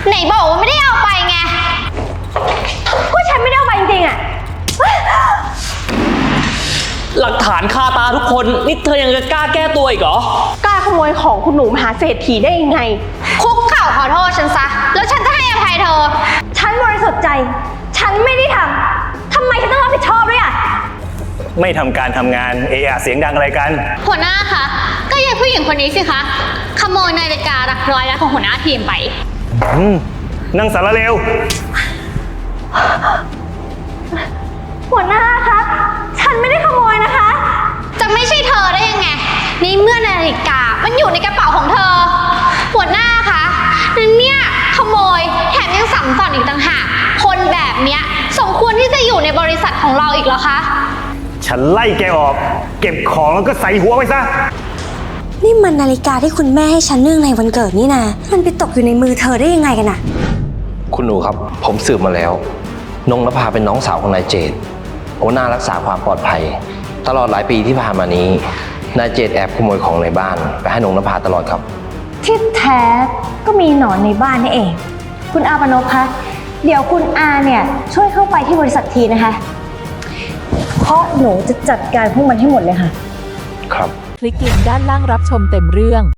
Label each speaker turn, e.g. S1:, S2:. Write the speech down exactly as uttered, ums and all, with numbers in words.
S1: ไหนบอกว่าไม่ได้เอาไปไง
S2: ก็ฉันไม่ได้เอาไปจริงๆอะ
S3: หลักฐานคาตาทุกคนนี่เธอยังจะกล้าแก้ตัวอีกเหรอก
S2: ล้าขโมยของคุณหนูมหาเศรษฐีได้ยังไง
S1: คุกเข่าขอโทษฉันซะแล้วฉันจะให้อภัยเธอ
S2: ฉันบริสุทธิ์ใจฉันไม่ได้ทำทำไมฉันต้องรับผิดชอบด้วยอะ
S4: ไม่ทำการทำงานเอะอะเสียงดังอะไรกัน
S1: หัวหน้าคะก็ยายผู้หญิงคนนี้สิคะขโมยนาฬิการักร้อยล้านของหัวหน้าทีมไป
S4: อืมนั่งสารเลว
S2: หัวหน้าคะฉันไม่ได้ขโมยนะคะ
S1: จะไม่ใช่เธอได้ยังไงในเมื่อนาฬิกามันอยู่ในกระเป๋าของเธอหัวหน้าคะนั่นเนี่ยขโมยแถมยังสั่งสอนอีกต่างหากคนแบบเนี้ยสมควรที่จะอยู่ในบริษัทของเราอีกเหรอคะ
S4: ฉันไล่แกออกเก็บของแล้วก็ใส่หัวไว้ซะ
S5: นี่มันนาฬิกาที่คุณแม่ให้ฉันเนื่องในวันเกิดนี่นะมันไปตกอยู่ในมือเธอได้ยังไงกันน่ะ
S6: คุณหนูครับผมสืบมาแล้วนงนภาเป็นน้องสาวของนายเจตหัวหน้ารักษาความปลอดภัยตลอดหลายปีที่ผ่านมานี้นายเจตแอบขโมยของในบ้านไปให้นงนภาตลอดครับ
S2: ที่แท้ก็มีหนอนในบ้านนี่เองคุณอาปนพคะเดี๋ยวคุณอาเนี่ยช่วยเข้าไปที่บริษัททีนะคะเพราะหนูจะจัดการพวกมันให้หมดเลยค่ะ
S6: ครับ
S7: คลิกลิงก์ด้านล่างรับชมเต็มเรื่อง